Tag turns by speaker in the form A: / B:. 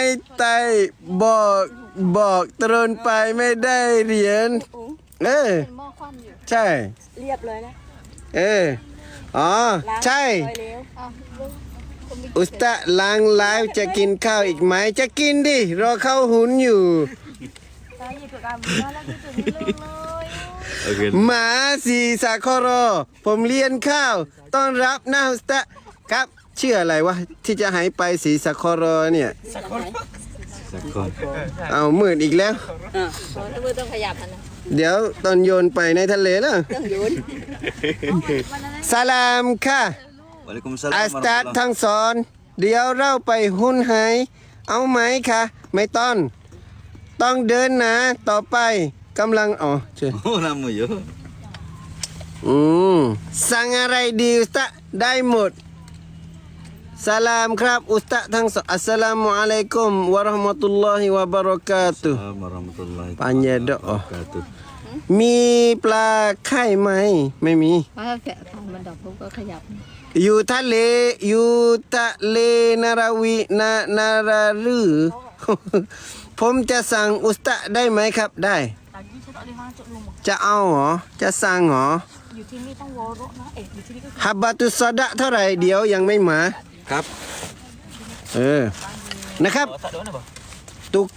A: ไต่บอกตรนไปไม่ได้เหรียญ
B: เป็นหม้อคว่ำอยู่
A: ใช่
C: เรียบเลยนะ
A: อ๋อใช่อุสตะล้างไลฟ์จะกินข้าวอีกไหมจะกินดิรอเข้าหุนอยู่หมาสีสาคอรอผมเรียนข้าวต้อนรับนะอุสตะครับชื่ออะไรวะที่จะหายไปสีสาคอรอเนี่ยเอามืดอีกแล้ว
C: ถ้ามือต้องขยับนะ
A: เดี๋ยวตอนโยนไปในทะเลแล้ว
C: ต้องโยน
A: สลามค่ะอัสตัดทั้งสอนเดี๋ยวเราไปหุ้นหายเอาไหมคะไม่ต้องเดินนะต่อไปกำลังเชิญ
D: nama yo
A: สั่งอะไรดีอุสตะได้หมดสลามครับอุสตะทั้งสองอัสสลามุอะลัยกุมวะเราะห์มะตุลลอฮิวะบะเราะกาตุฮ์ปัญญาดอกมีปลาไข่ไหมไม่มี
B: ถ้าแกะทางมันดอกปุ๊บก็ขยับ
A: อยู่ทะเลนาราวีนารารือ ผมจะสั่งอุสตะได้ไหมครับได้จะเอาเหรอจะสั่งเหรอ
B: อยู่ที่นี่ต้องวอโรนะอยู่ที่นี่ก็
A: ฮับบาตุสดะเท่าไหร่เดี๋ยวยังไม่มา
D: ครับ
A: นะครับ